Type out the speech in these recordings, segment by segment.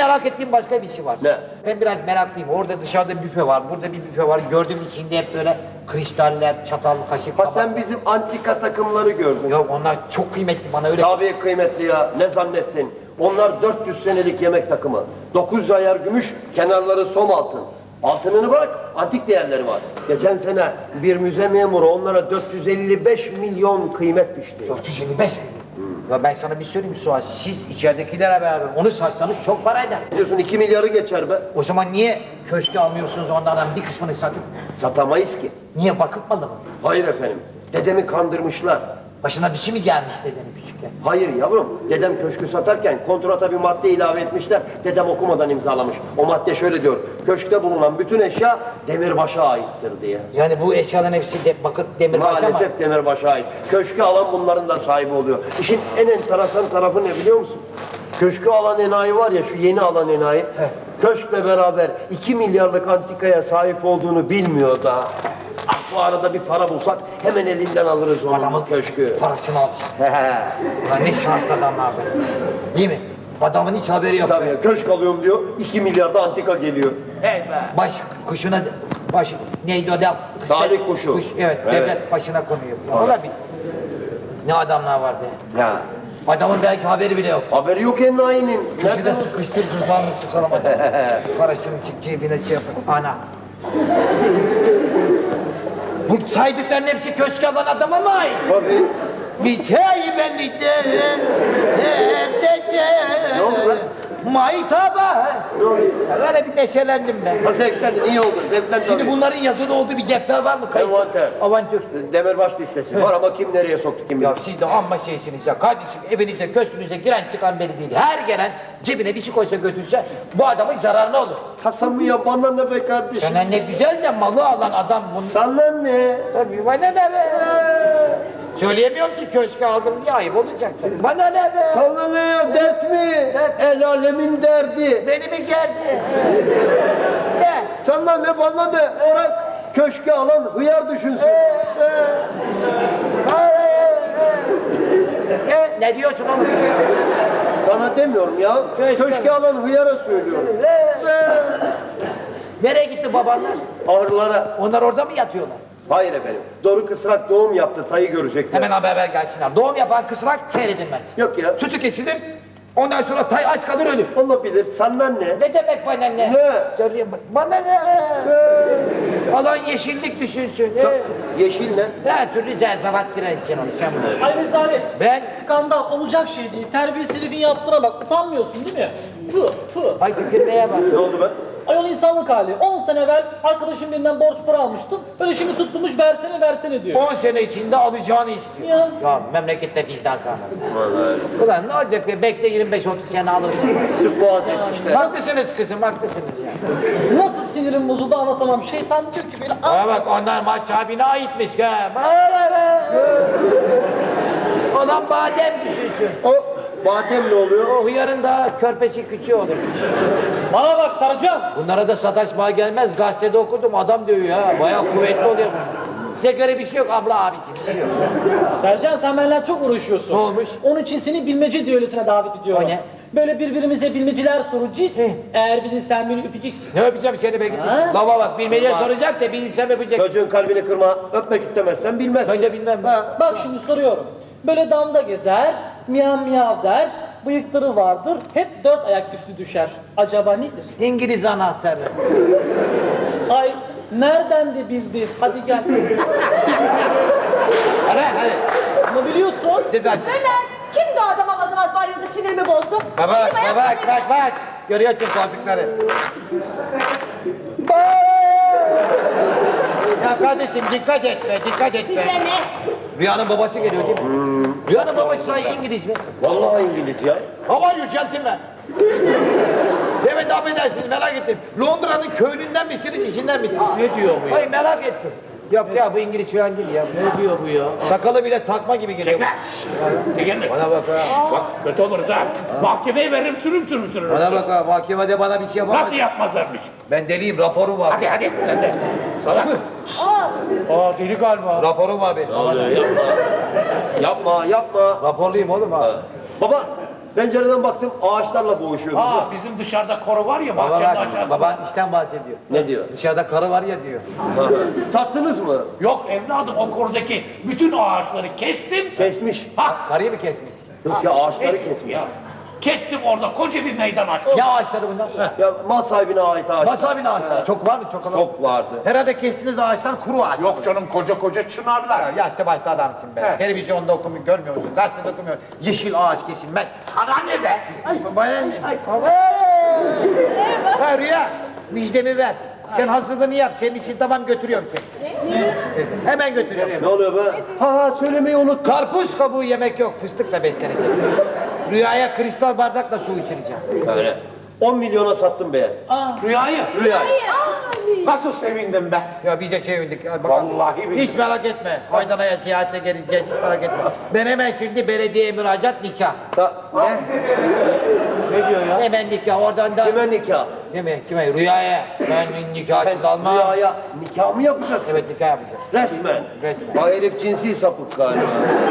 merak ettiğim başka bir şey var. Ne? Ben biraz meraklıyım. Orada dışarıda büfe var, burada bir büfe var. Gördüğüm içinde hep böyle kristaller, çatal, kaşık, Ha tabak. sen bizim antika takımları gördün. Ya onlar çok kıymetli bana öyle. Tabii kıymetli ya. Ne zannettin? Onlar 400 senelik yemek takımı. 900 ayar gümüş, kenarları som altın. Altınını bırak, antik değerleri var. Geçen sene bir müze memuru onlara 455 milyon kıymet biçti. 455 mi? Ya ben sana bir söyleyeyim Suat, siz içeridekilere beraber onu satsanız çok para eder. Biliyorsun 2 milyarı geçer be. O zaman niye köşke almıyorsunuz onlardan bir kısmını satıp? Satamayız ki. Niye, vakıf malı mı? Hayır efendim. Dedemi kandırmışlar. Başına bir şey mi gelmiş dedenin küçükken? Hayır yavrum. Dedem köşkü satarken kontrata bir madde ilave etmişler. Dedem okumadan imzalamış. O madde şöyle diyor. Köşkte bulunan bütün eşya demirbaşa aittir diye. Yani bu eşyaların hepsi bakır demirbaşa mı? Maalesef demirbaşa ait. Köşkü alan bunların da sahibi oluyor. İşin en enteresan tarafı ne biliyor musun? Köşkü alan enayi var ya, şu yeni alan enayi. Köşkle beraber 2 milyarlık antikaya sahip olduğunu bilmiyor da. Ah, bu arada bir para bulsak hemen elinden alırız onun Adamın köşkü. parasını alsın. Ulan ne şanslı adamlar be. Değil mi? Adamın hiç haberi yok. Tabii köşk alıyorum diyor, 2 milyarda antika geliyor. Hey be! Baş kuşuna, baş neydi o laf? Talih kuşu. Evet, Evet. devlet başına konuyor. Ya olabilir. Ne adamlar var be. Ya. Adamın belki haberi bile yok. Haberi yok enayinin. Köşede sıkıştır, gırtlağını sıkalamadı. Parasını cebine şey yapın. Ana. Bu saydıkların hepsi köşke alan adama mı ait? Tabii. Biz heybelide neredece Ne oldu lan? maytaba. Ne oluyor? Ya böyle bir neşelendim ben. Ha zevklendin, iyi oldu. Zevklendin. Şimdi bunların yazılı olduğu bir defter var mı? Kayıt. Envanter. Avantür. Demirbaş listesi var ama kim nereye soktu kim bilir. Ya siz de amma şeysiniz ya. Kardeşim evinize, köşkünüze giren çıkan belli değil. Her gelen cebine bir şey koysa götürse bu adamın zararına olur. Hasan ya bana ne be kardeşim? Sana ne güzel de malı alan adam bunu. Sana ne? Tabii bana ne be? Söyleyemiyorum ki köşke aldım diye ayıp olacak tabii. Bana ne be? Sana ne ya? Dert mi? El alemin derdi. Beni mi gerdi? Ne? Sana ne bana ne? Bırak köşke alan hıyar düşünsün. Ne diyorsun oğlum? Sana demiyorum ya. Köşke alan hıyara söylüyorum. Nereye gitti babanlar? Ahırlara. Onlar orada mı yatıyorlar? Hayır efendim. Doruk Kısrak doğum yaptı. Tayı görecekler. Hemen haber gelsinler. Doğum yapan kısrak seyredilmez. Yok ya. Sütü kesilir. Ondan sonra tay aç kalır ölür. Olabilir. Sana ne? Ne demek bana ne? Ne? Söyleyeyim bak. Bana ne? Alan yeşillik düşünsün. Yeşil ne? Her türlü zerzavat girer için onu sen bunu. Ay rezalet. Ben- Skandal olacak şey değil. Terbiyesiz herifin yaptığına bak. Utanmıyorsun değil mi? Tüh tüh. Ay tükürmeye bak. Ne oldu be? Ayol insanlık hali. 10 sene evvel arkadaşım birinden borç para almıştım. Böyle şimdi tutturmuş versene versene diyor. 10 sene içinde alacağını istiyor. Ya. Ya memlekette bizden kalmadı. Ulan ne olacak be? Bekle 25-30 sene alırsın. Sık boğaz etmişler. Haklısınız kızım, haklısınız ya. Nasıl sinirim bozuldu anlatamam. Şeytan diyor ki beni Bana bak onlar maç sahibine aitmiş ha. Bana be. Olan badem düşünsün. O badem ne oluyor? O hıyarın daha körpesi küçüğü olur. Bana bak Tarcan. Bunlara da sataşma gelmez. Gazetede okudum adam dövüyor ha. Bayağı kuvvetli oluyor. Size göre bir şey yok abla abisi bir şey yok. Tercan sen benimle çok uğraşıyorsun. Ne olmuş? Onun için seni bilmece düellosuna davet ediyorum. O ne? Böyle birbirimize bilmeceler soracağız. Eğer bilirsen beni öpeceksin. Ne öpeceğim seni be gitmiş. Ha? Lava bak bilmece soracak da bilsem öpecek. Çocuğun kalbini kırma. Öpmek istemezsen bilmez. Ben de bilmem. Bak şimdi soruyorum. Böyle damda gezer, miyav miyav der, bıyıkları vardır, hep 4 ayak üstü düşer. Acaba nedir? İngiliz anahtarı. Ay nereden de bildi? Hadi gel. Hadi. Ama biliyorsun. Düzelsin. Ömer, kimdi o adam avaz avaz bağırıyordu, sinirimi bozdu? Bak Kim ayak- bak. Görüyorsun koltukları. Ya kardeşim dikkat etme. Size ne? Rüyanın babası geliyor değil mi? Rüyanın babası sahi İngiliz mi? Vallahi İngiliz ya. How are you gentlemen? Evet affedersiniz merak ettim. Londra'nın köylünden misiniz, işinden misiniz? Ne diyor bu ya? Hayır merak ettim. Yok ya bu İngiliz falan değil ya. Ne diyor bu ya? Sakalı bile takma gibi geliyor. Çekilme. Bana bak ha. Bak kötü oluruz ha. Mahkemeye veririm sürüm. Bana bak ha. Mahkemede bana bir şey yapamaz. Nasıl yapmazlarmış? Ben deliyim raporum var. Hadi sen de. Salak. Aa deli galiba. Raporum var benim. Yapma. Yapma. Raporluyum oğlum ha. Baba Pencereden baktım ağaçlarla boğuşuyordu. Aa bizim dışarıda koru var ya Baba bahçenin bak, aşağısında. baban işten bahsediyor. Ne diyor? Dışarıda karı var ya diyor. Sattınız mı? Yok evladım o korudaki bütün ağaçları kestim. Kesmiş. Ha Karıyı mı kesmiş? Yok ya ağaçları kesmiş. ya. Kestim orada koca bir meydan açtım. Ne ağaçları bunlar? Ya mal sahibine ait ağaç. Wasabi ağaçları. Çok var mı? Çok olan. Çok vardı. Herhalde kestiğiniz ağaçlar kuru ağaç. Yok canım koca koca çınarlar. Yaşlı başlı adamsın be. Evet. Televizyonda okumuyor, görmüyor musun? Gazetede okumuyor. Yeşil ağaç kesilmez. Sana ne be? Bana ne? Ha Rüya, müjdemi ver. Sen hazırlığını yap. Senin için tamam götürüyorum seni. Evet, hemen götürüyorum. Ne oluyor be? Ha söylemeyi unuttum. Karpuz kabuğu yemek yok. Fıstıkla besleneceksin. Rüyaya kristal bardakla su içireceğim. Öyle. 10 milyona sattım be. Rüyayı. Rüya. Nasıl sevindim ben. Ya biz de sevindik. Hadi bakalım. Vallahi billahi. Hiç merak etme. Aydana'ya ziyarete geleceğiz. Hiç merak etme. Ben hemen şimdi belediyeye müracaat nikah. Ne? Ne diyor ya? Hemen nikah. Oradan da... Kime nikah? Kime? Kime? Rüyaya. Ben nikahsız almam. Rüyaya nikah mı yapacaksın? Evet nikah yapacağım. Resmen. Resmen. Bak herif cinsi sapık galiba.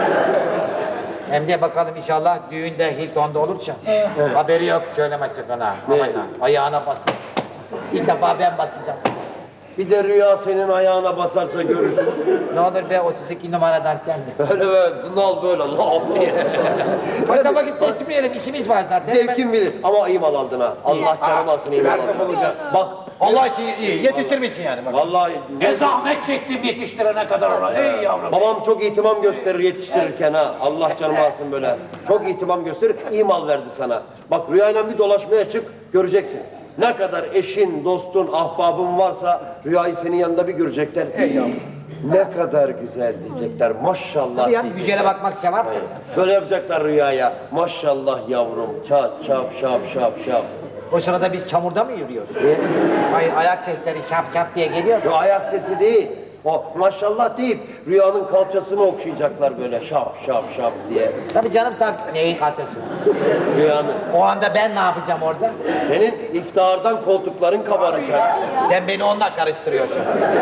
Hem de bakalım inşallah düğünde Hilton'da olursa. Haberi yok söyleme sakın ha. Aman ha. Ayağına basın. İlk defa ben basacağım. Bir de rüya senin ayağına basarsa görürsün. Ne olur be 32 numaradan sen de. Öyle böyle dınal böyle lap diye. Başta vakit geçirmeyelim işimiz var zaten. Zevkin bilir ama iyi mal aldın ha. Allah canım alsın iyi mal Nerede aldın. bulacağım? Bak Allah için iyi. Yetiştirmişsin yani. Bak. vallahi Ne zahmet çektim yetiştirene kadar ona. Ey yavrum. babam çok ihtimam gösterir yetiştirirken ha. Allah canım alsın böyle. Çok ihtimam gösterir. İyi mal verdi sana. Bak rüyayla bir dolaşmaya çık göreceksin. Ne kadar eşin, dostun, ahbabın varsa rüyayı senin yanında bir görecekler. Ey yavrum. Ne kadar güzel diyecekler. Maşallah. Hadi ya diyecekler. güzele bakmak sevap. Böyle yapacaklar rüyaya. Maşallah yavrum. Çat çap şap şap şap. O sırada biz çamurda mı yürüyoruz? Hayır ayak sesleri şap şap diye geliyor. Yo, ayak sesi değil. O maşallah deyip rüyanın kalçasını okşayacaklar böyle şap şap şap diye. Tabii canım tak neyin kaçası? Rüyanın. O anda ben ne yapacağım orada? Senin iftihardan koltukların kabaracak. Sen beni onunla karıştırıyorsun.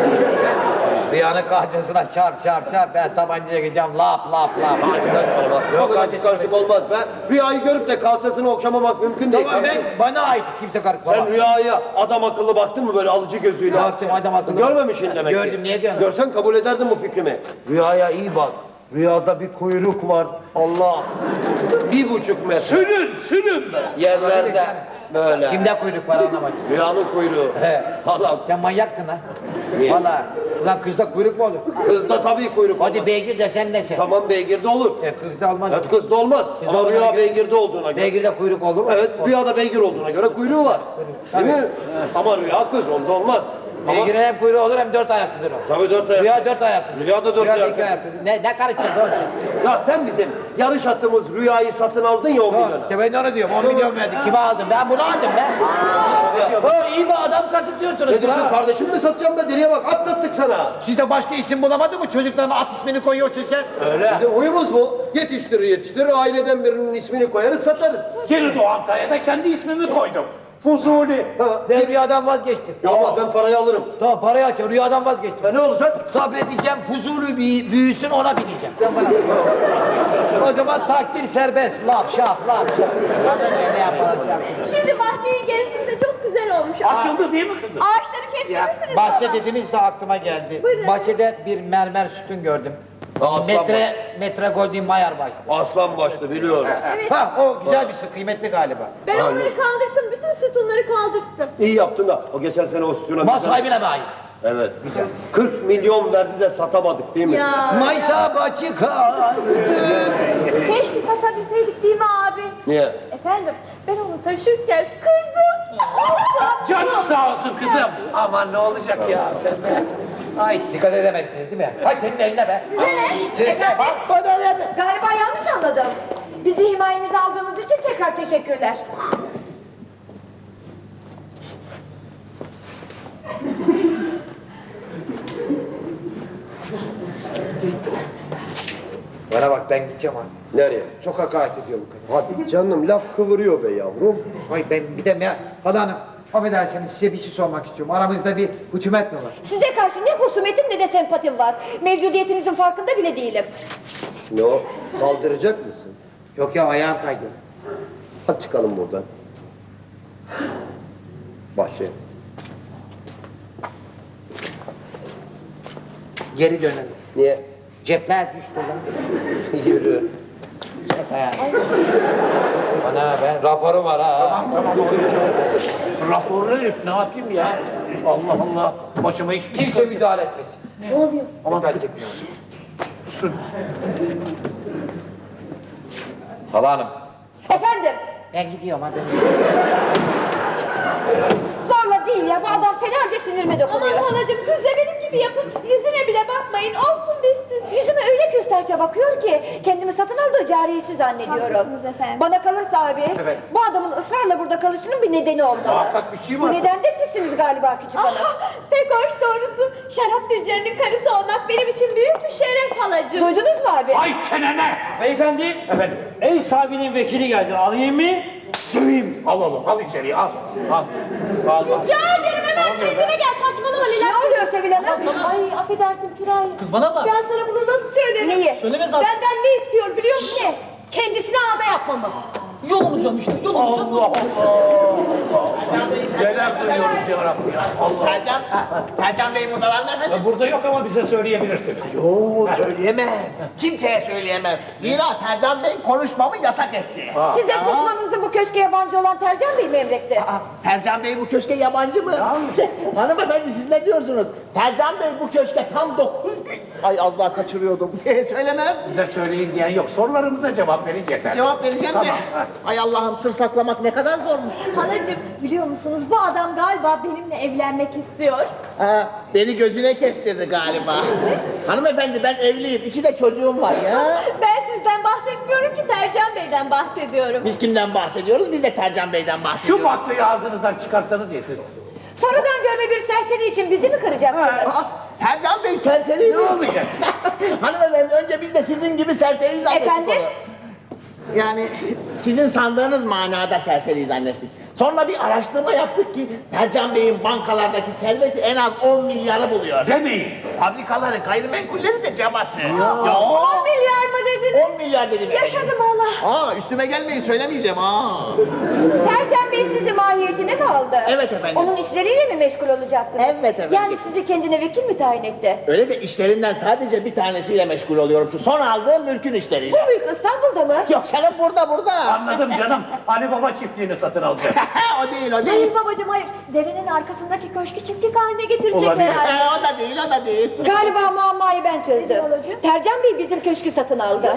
Rüyanın karşısına şap şap şap ben tabancaya gireceğim lap lap lap. Yok hadi karışık olmaz be. Rüyayı görüp de kalçasını okşamamak mümkün değil. Tamam ben bana ait kimse karışmaz. Sen rüyaya adam akıllı baktın mı böyle alıcı gözüyle? Baktım adam akıllı. Görmemişsin demek ki. Gördüm, niye diyorsun? Görsen kabul ederdin bu fikrimi. Rüyaya iyi bak. Rüyada bir kuyruk var. Allah. 1,5 metre. Sürün be. Yerlerde böyle. Kimde kuyruk var anlamadım. Rüyanın kuyruğu. He. Allah. Sen manyaksın ha. Niye? Valla. Ulan kızda kuyruk mu olur? Kızda tabii kuyruk Hadi olmaz. beygir desen ne sen? Tamam beygirde olur. Kızda olmaz. Evet kızda olmaz. Kızda Ama olmaz. rüya beygirde olduğuna göre. Beygirde kuyruk olur mu? Evet rüyada beygir olduğuna göre kuyruğu var. Değil mi? Ama rüya kız onda olmaz. Ama Beygir'in hem kuyruğu olur hem dört ayaklıdır o. tabii 4 ayak. Rüya dört ayaklı. Rüyada dört Rüyada ayaklı. iki ayaklı. Ne karıştırdın oğlum sen? Ya sen bizim yarış atımız rüyayı satın aldın ya 10 Tamam, milyona. işte ben de onu diyorum. 10 milyon verdik. Kime aldım? Ben bunu aldım ben. Ha, iyi bir adam kasıp diyorsunuz. Ne diyorsun Ha. kardeşim mi satacağım be deliye bak at sattık sana. Siz de başka isim bulamadın mı? Çocuklarına at ismini koyuyorsun sen. Bizim huyumuz bu. Yetiştirir aileden birinin ismini koyarız satarız. Geri doğan taya da kendi ismimi koydum. Fuzuli. Ha. Ben rüyadan vazgeçtim. Ya ama ben parayı alırım. Tamam parayı aç. Rüyadan vazgeçtim. Ne olacak? Sabredeceğim, huzurlu büyüsün ona bineceğim. Sen bana. O zaman takdir serbest. Laf şap, laf şap. Kadın ne yaparsa yapsın. Şimdi bahçeyi gezdim de çok güzel olmuş. Açıldı değil mi kızım? Ağaçları kestirmişsiniz Bahçe baba. dediniz de aklıma geldi. Buyurun. Bahçede bir mermer sütun gördüm. Aslan Metre Golden Mayer başlı. Aslan başlı biliyorum. Evet. Ha o güzel bir süt, kıymetli galiba. Ben onları kaldırttım. Bütün sütunları kaldırttım. İyi yaptın da o geçen sene o sütuna... Mal sahibine mi ait? Evet. Güzel. 40 milyon verdi de satamadık değil mi? Ya. Maytaba çıkar. Keşke satabilseydik değil mi abi? Niye? Efendim ben onu taşırken kırdım. Olsa. Canın sağ olsun kızım. Aman ne olacak ya sen de. Ay. Dikkat edemezsiniz değil mi? Hay senin eline be. Size ne? Size Efendim? bak bana ne be? Galiba yanlış anladım. Bizi himayenize aldığınız için tekrar teşekkürler. Bana bak ben gideceğim artık. Nereye? Çok hakaret ediyor bu kadın. Hadi canım laf kıvırıyor be yavrum. Ay ben bir de Hala Hanım affedersiniz size bir şey sormak istiyorum. Aramızda bir husumet mi var? Size karşı ne husumetim ne de sempatim var. Mevcudiyetinizin farkında bile değilim. Ne o? Saldıracak mısın? Yok ya ayağım kaydı. Hadi çıkalım buradan. Başlayalım. Geri dönelim. Niye? Cepler düştü lan. Yürü. Bana ben raporu var ha. Tamam oluyor. Raporlu herif ne yapayım ya? Allah Allah. Başıma hiçbir şey Kimse müdahale etmesin. Ne oluyor? Dikkat çekmiyorum. Kusur. Hala hanım. Efendim, Ben gidiyorum hadi. zorla değil ya. Bu adam fena halde sinirime dokunuyor. Aman halacığım siz de benim gibi yapın. Yüzüne bile bakmayın. Olsun bitsin. Yüzüme öyle küstahça bakıyor ki kendimi satın aldığı cariyesi zannediyorum. Haklısınız efendim. Bana kalırsa abi, Evet. bu adamın ısrarla burada kalışının bir nedeni olmalı. Muhakkak bir şey var. Bu neden de sizsiniz galiba küçük hanım. Aha, pek hoş doğrusu. Şarap tüccarının karısı olmak benim için büyük bir şeref halacığım. Duydunuz mu abi? Ay çenene! Beyefendi, Efendim? ev sahibinin vekili geldi. Alayım mı? Döveyim. Al oğlum, al içeriye, al. Al. Al. Rica ederim hemen kendine gel. Saçmalama Ne Leyla. oluyor Sevil Hanım? Ay affedersin Piraye. Kız bana bak. Ben sana bunu nasıl söylerim? Neyi? Söyleme zaten. Benden ne istiyor biliyor musun? Ne? Kendisine ağda yapmamı. Yol olacağım işte. Yol olacağım. Allah Allah. Neler duyuyorum ya Rabbi ya. Allah. Tercan Bey buradalar mı efendim? Burada yok ama bize söyleyebilirsiniz. Oo söyleyemem. Kimseye söyleyemem. Zira Tercan Bey konuşmamı yasak etti. Size susmanızı bu köşke yabancı olan Tercan Bey mi emretti? Tercan Bey bu köşke yabancı mı? Hanımefendi siz ne diyorsunuz? Tercan Bey bu köşke tam 9 gün... Ay az daha kaçırıyordum. Söylemem. Bize söyleyin diyen yok. Sorularımıza cevap verin yeter. Cevap vereceğim Tamam, de. ha. Ay Allah'ım sır saklamak ne kadar zormuş. Halacığım biliyor musunuz bu adam galiba benimle evlenmek istiyor. Ha, beni gözüne kestirdi galiba. Hanımefendi ben evliyim. 2 de çocuğum var ya. Ben sizden bahsetmiyorum ki Tercan Bey'den bahsediyorum. Biz kimden bahsediyoruz? Biz de Tercan Bey'den bahsediyoruz. Şu baklayı ağzınızdan çıkarsanız ya siz. Sonradan görme bir serseri için bizi mi kıracaksınız? Tercan Bey serseri mi? Ne olacak? Hanımefendi önce biz de sizin gibi serseri zannettik Efendim? onu. Yani sizin sandığınız manada serseri zannettik. Sonra bir araştırma yaptık ki Tercan Bey'in bankalardaki serveti en az 10 milyarı buluyor. Demeyin. Fabrikaları, gayrimenkulleri de cabası. Ya, 10 milyar mı dediniz? 10 milyar dedim. Yaşadım valla. Aa üstüme gelmeyin söylemeyeceğim ha. Tercan Bey sizi mahiyetine mi aldı? Evet efendim. Onun işleriyle mi meşgul olacaksınız? Evet efendim. Yani sizi kendine vekil mi tayin etti? Öyle de işlerinden sadece bir tanesiyle meşgul oluyorum. Şu son aldığım mülkün işleriyle. Bu mülk İstanbul'da mı? Yok canım burada. Anladım canım. Ali Baba çiftliğini satın alacağız. O değil o değil. Hayır babacığım hayır. Derenin arkasındaki köşkü çiftlik haline getirecek Olabilir. herhalde. O da değil. Galiba muammayı ben çözdüm. Nedir olacak? Tercan Bey bizim köşkü satın aldı.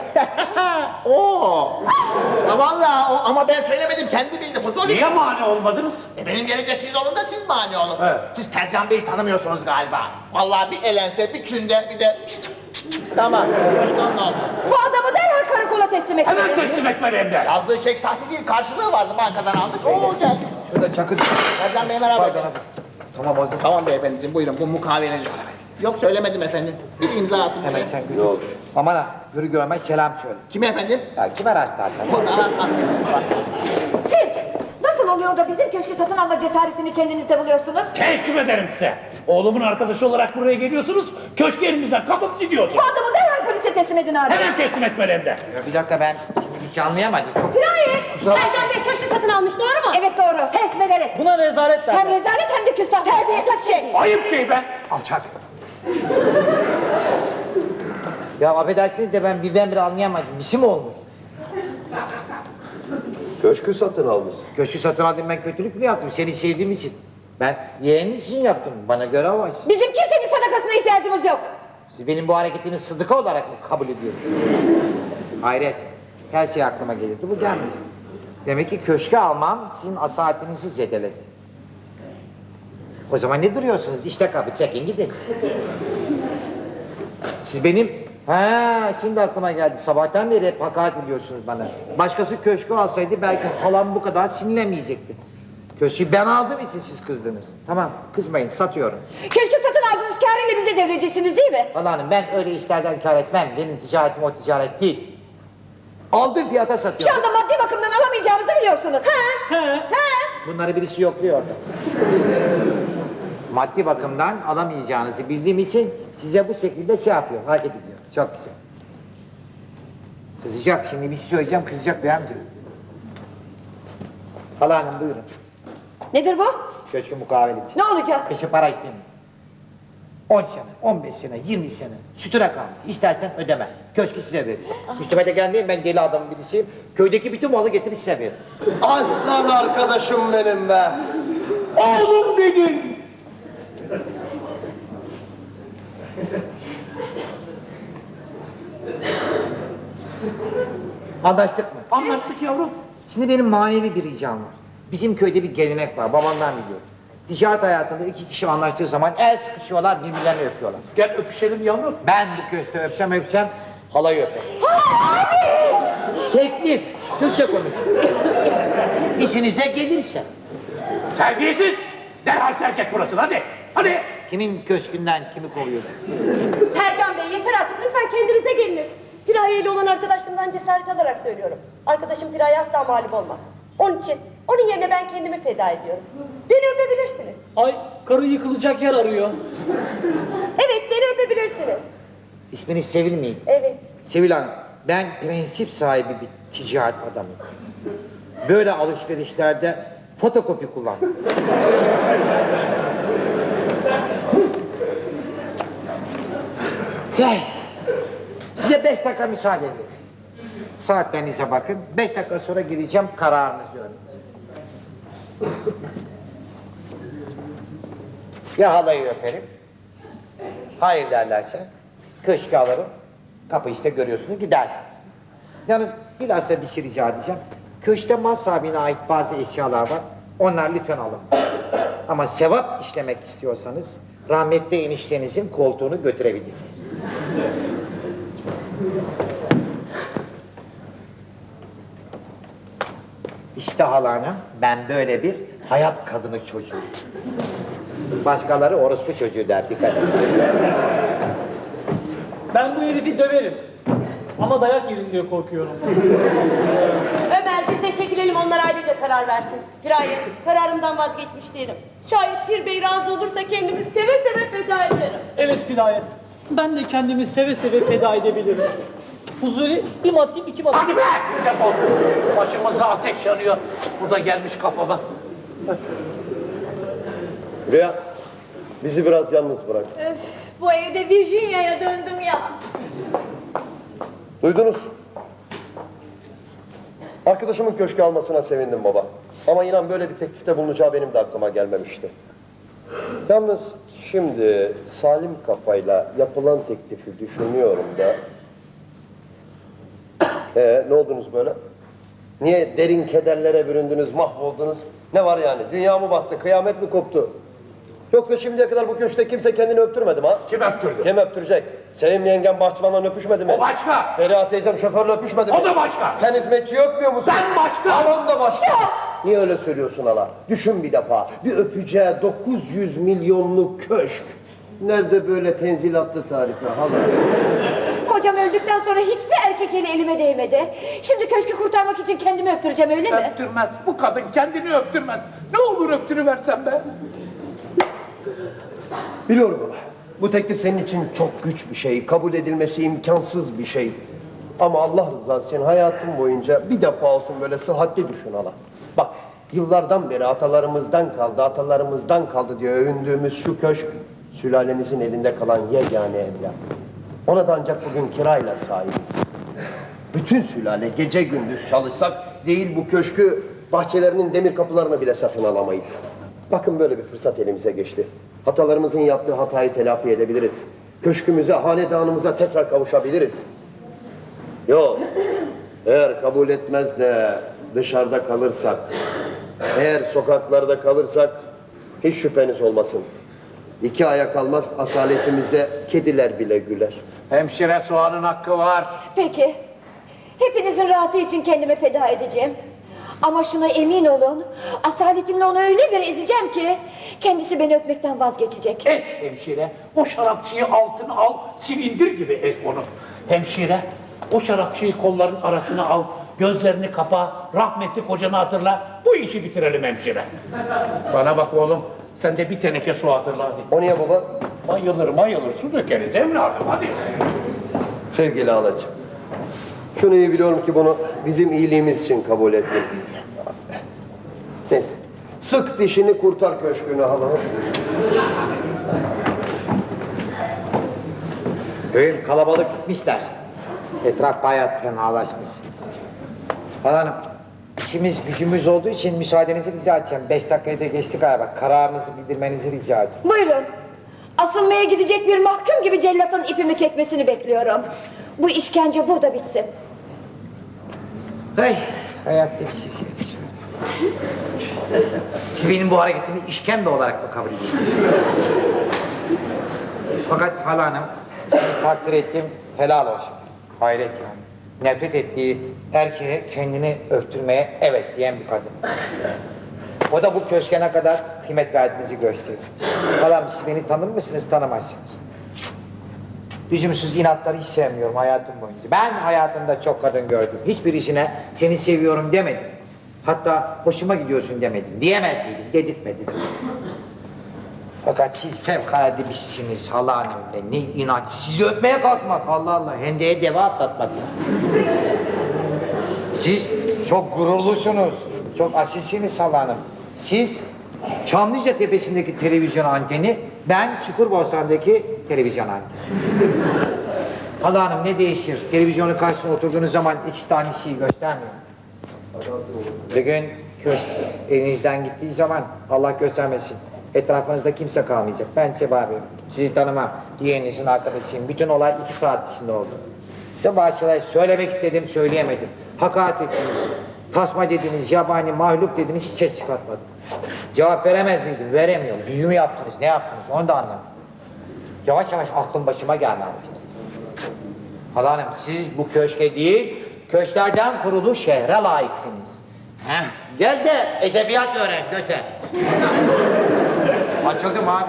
Oo. Ya vallahi ama ben söylemedim kendi bildi Fuzuli. Niye mani olmadınız? Benim yerimde siz olun da siz mani olun. Evet. Siz Tercan Bey'i tanımıyorsunuz galiba. Vallahi bir elense bir künde bir de tamam. Başkan ne oldu? Bu adamı derhal karakola teslim Hemen etmeliyiz. teslim etmeli hem de. Yazdığı çek sahte değil karşılığı vardı bankadan aldık. Oo geldi. Şurada çakır. Tercan Bey merhaba. Pardon abi. Tamam oldu. Tamam beyefendiciğim buyurun bu mukavele'niz. Yok söylemedim efendim. Bir imza atın. Hemen sen gör. Ne olur. Aman ha. Görü görmez selam söyle. Kime efendim? Ya kime rastlarsan. Burada anasını. Siz nasıl oluyor da bizim köşkü satın alma cesaretini kendinizde buluyorsunuz? Teslim ederim size. Oğlumun arkadaşı olarak buraya geliyorsunuz. Köşkü elimizden kapıp gidiyorsunuz. Bu adamı derhal polise teslim edin abi. Hemen teslim etmeli hem de. Ya bir dakika ben şimdi bir şey anlayamadım. Çok... Piraye, Kusura bakma. Tercan Bey köşkü satın almış doğru mu? Evet doğru. Teslim ederiz. Buna rezalet Hem derler. rezalet hem de küstah. Terbiyesiz şey. Ayıp şey ben. Alçak. Ya affedersiniz de ben birdenbire anlayamadım. Bir şey mi olmuş? Köşkü satın almış. Köşkü satın aldım ben kötülük mü yaptım? Seni sevdiğim için. Ben yeğenin için yaptım. Bana göre var. Bizim kimsenin sadakasına ihtiyacımız yok. Siz benim bu hareketimi sıdıka olarak mı kabul ediyorsunuz? Hayret. Her şey aklıma gelirdi. Bu gelmedi. Demek ki köşke almam sizin asaletinizi zedeledi. O zaman ne duruyorsunuz? İşte kapı çekin gidin. Siz benim... Ha, şimdi aklıma geldi. Sabahtan beri hep hakaret ediyorsunuz bana. Başkası köşkü alsaydı belki halam bu kadar sinirlemeyecekti. Köşkü ben aldığım için siz kızdınız. Tamam, kızmayın, satıyorum. Köşkü satın aldığınız kârıyla bize devreceksiniz değil mi? Vallahi hanım ben öyle işlerden kâr etmem. Benim ticaretim o ticaret değil. Aldığım fiyata Şu satıyorum. anda maddi bakımdan alamayacağımızı biliyorsunuz. Bunları birisi yokluyor orada. Maddi bakımdan alamayacağınızı bildiğim için size bu şekilde şey yapıyor, hareket ediyor. Çok güzel. Kızacak, şimdi bir şey söyleyeceğim, kızacak bey amca. Hala hanım buyurun. Nedir bu? Köşkün mukavelesi. Ne olacak? Kışı para istemiyorum. 10 sene, 15 sene, 20 sene sütüne kalmış. İstersen ödeme. Köşkü size veririm. Üstüme de gelmeyin, ben deli adamın birisiyim. Köydeki bütün malı getirip size veririm. Aslan arkadaşım benim be. Oğlum benim. Anlaştık mı? Anlaştık yavrum. Şimdi benim manevi bir ricam var. Bizim köyde bir gelenek var, babamdan biliyorum. Ticaret hayatında iki kişi anlaştığı zaman el sıkışıyorlar, birbirlerini öpüyorlar. Gel öpüşelim yavrum. Ben bu köşkte öpsem halayı öperim. Teklif, Türkçe konuş. İşinize gelirse. Terbiyesiz. Derhal terk et burasını hadi. Hadi. Kimin köşkünden kimi kovuyorsun? Tercan Bey yeter artık lütfen kendinize geliniz. Piraye ile olan arkadaşlığımdan cesaret alarak söylüyorum. Arkadaşım Piraye asla mağlup olmaz. Onun için onun yerine ben kendimi feda ediyorum. Beni öpebilirsiniz. Ay karı yıkılacak yer arıyor. Evet beni öpebilirsiniz. İsminiz Sevil miydi? Evet. Sevil Hanım, ben prensip sahibi bir ticaret adamıyım. Böyle alışverişlerde fotokopi kullanmam. Size 5 dakika müsaade edin. Saatlerinize bakın. 5 dakika sonra gireceğim, kararınızı öğreneceğim. Ya halayı öperim, hayır derlerse köşkü alırım, kapı işte görüyorsunuz gidersiniz. Yalnız bilhassa bir şey rica edeceğim. Köşkte mal sahibine ait bazı eşyalar var, onlar lütfen alın. Ama sevap işlemek istiyorsanız rahmetli eniştenizin koltuğunu götürebilirsiniz. İşte halana ben böyle bir hayat kadını çocuğu. Başkaları orospu çocuğu der, dikkat edin. Ben bu herifi döverim. Ama dayak yerim diye korkuyorum. Ömer biz de çekilelim onlar ailece karar versin. Piraye kararımdan vazgeçmiş değilim. Şayet Pir Bey razı olursa kendimi seve seve feda ederim. Evet Piraye. Ben de kendimi seve seve feda edebilirim. Fuzuli bir matayım iki matayım. Hadi be. Defol. Başımızda ateş yanıyor. Bu da gelmiş kafama. Rüya, bizi biraz yalnız bırak. Öf, bu evde Virginia'ya döndüm ya. Duydunuz. Arkadaşımın köşkü almasına sevindim baba. Ama inan böyle bir teklifte bulunacağı benim de aklıma gelmemişti. Yalnız şimdi salim kafayla yapılan teklifi düşünüyorum da... ne oldunuz böyle? Niye derin kederlere büründünüz, mahvoldunuz? Ne var yani? Dünya mı battı, kıyamet mi koptu? Yoksa şimdiye kadar bu köşkte kimse kendini öptürmedi mi ha? Kim öptürdü? Kim öptürecek? Sevim yengem bahçıvanla öpüşmedi mi? O başka. Feriha teyzem şoförle öpüşmedi mi? O da başka. Sen hizmetçi öpmüyor musun? Ben başka. Halam da başka. Niye öyle söylüyorsun hala? Düşün bir defa. Bir öpeceği 900 milyonluk köşk. Nerede böyle tenzilatlı tarife hala? Kocam öldükten sonra hiçbir erkek eli elime değmedi. Şimdi köşkü kurtarmak için kendimi öptüreceğim öyle mi? Öptürmez. Bu kadın kendini öptürmez. Ne olur öptürüversen be. Biliyorum hala. Bu teklif senin için çok güç bir şey. Kabul edilmesi imkansız bir şey. Ama Allah rızası için hayatım boyunca bir defa olsun böyle sıhhatli düşün hala. Bak yıllardan beri atalarımızdan kaldı diye övündüğümüz şu köşk sülalemizin elinde kalan yegane evlat. Ona da ancak bugün kirayla sahibiz. Bütün sülale gece gündüz çalışsak değil bu köşkü bahçelerinin demir kapılarını bile satın alamayız. Bakın böyle bir fırsat elimize geçti. Hatalarımızın yaptığı hatayı telafi edebiliriz. Köşkümüze, hanedanımıza tekrar kavuşabiliriz. Yok, eğer kabul etmez de dışarıda kalırsak, eğer sokaklarda kalırsak hiç şüpheniz olmasın. 2 aya kalmaz asaletimize kediler bile güler. Hemşire soğanın hakkı var. Peki. Hepinizin rahatı için kendimi feda edeceğim. Ama şuna emin olun, asaletimle onu öyle bir ezeceğim ki kendisi beni öpmekten vazgeçecek. Ez hemşire. O şarapçıyı altına al, silindir gibi ez onu. Hemşire, o şarapçıyı kolların arasına al, gözlerini kapa, rahmetli kocanı hatırla. Bu işi bitirelim hemşire. Bana bak oğlum, sen de bir teneke su hazırla hadi. O niye baba? Mayılır su dökeriz evladım hadi. Sevgili halacığım, şunu iyi biliyorum ki bunu bizim iyiliğimiz için kabul ettin. Neyse. Sık dişini kurtar köşkünü hala. Köyüm kalabalık gitmişler. Etraf bayağı tenalaşmış. Hanım, işimiz gücümüz olduğu için müsaadenizi rica edeceğim. 5 dakikayı da geçti galiba. Kararınızı bildirmenizi rica ediyorum. Buyurun. Asılmaya gidecek bir mahkum gibi cellatın ipimi çekmesini bekliyorum. Bu işkence burada bitsin. Hey, hayatta bir şey. Siz benim bu hareketimi işkembe olarak mı kabul ediyorsunuz? Fakat hala hanım, sizi takdir ettim, helal olsun. Hayret yani. Nefret ettiği erkeğe kendini öptürmeye evet diyen bir kadın. O da bu köşke ne kadar kıymet verdiğinizi gösteriyor. Hala hanım, siz beni tanır mısınız, tanımazsınız. Lüzumsuz inatları hiç sevmiyorum hayatım boyunca. Ben hayatımda çok kadın gördüm. Hiçbirisine seni seviyorum demedim. Hatta hoşuma gidiyorsun demedim. Diyemez miydim? Dedirtmedim. Fakat siz fevkalade birisiniz hala hanım be. Ne inat. Sizi öpmeye kalkmak Allah Allah. Hendeye deva atlatmak. Siz çok gururlusunuz. Çok asilsiniz hala hanım. Siz Çamlıca Tepesi'ndeki televizyon anteni, ben Çukurbostan'daki televizyon anteni. Hala hanım ne değişir? Televizyonun karşısına oturduğunuz zaman ikisi de aynı şeyi göstermiyor. Bir gün elinizden gittiği zaman Allah göstermesin. Etrafınızda kimse kalmayacak. Ben size bağırıyorum. Sizi tanımam. Diğerinizin arkadaşıyım. Bütün olay 2 saat içinde oldu. Size bağışlayın. Söylemek istedim, söyleyemedim. Hakaret ettiniz. Tasma dediniz, yabani, mahluk dediniz, hiç ses çıkartmadım. Cevap veremez miydim? Veremiyorum. Büyü mü yaptınız, ne yaptınız? Onu da anlamadım. Yavaş yavaş aklım başıma gelmeye başladı. Hala hanım, siz bu köşke değil, köşklerden kurulu şehre layıksınız. Heh, gel de edebiyat öğren göte. Açıldım abi.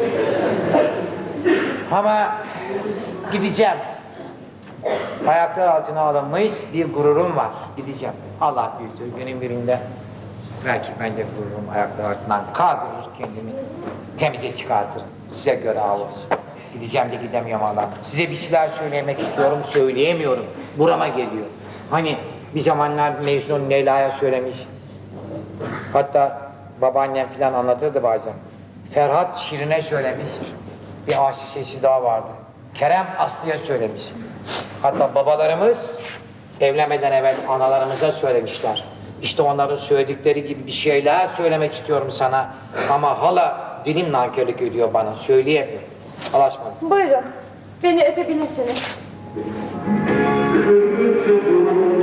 Ama gideceğim. Ayaklar altına alınmış bir gururum var. Gideceğim. Allah büyüktür. Günün birinde belki ben de gururum ayaklar altından kaldırır kendimi. Temize çıkartırım. Size göre av olsun. Gideceğim de gidemiyorum Allah'ım. Size bir şeyler söylemek istiyorum, söyleyemiyorum. Burama geliyor. Hani bir zamanlar Mecnun Leyla'ya söylemiş. Hatta babaannem filan anlatırdı bazen. Ferhat Şirin'e söylemiş. Bir aşık şeysi daha vardı. Kerem Aslı'ya söylemiş. Hatta babalarımız evlenmeden evvel analarımıza söylemişler. İşte onların söyledikleri gibi bir şeyler söylemek istiyorum sana. Ama hala dilim nankörlük ediyor bana. Söyleyemiyorum. Allah'a ısmarladık. Buyurun. Beni öpebilirsiniz.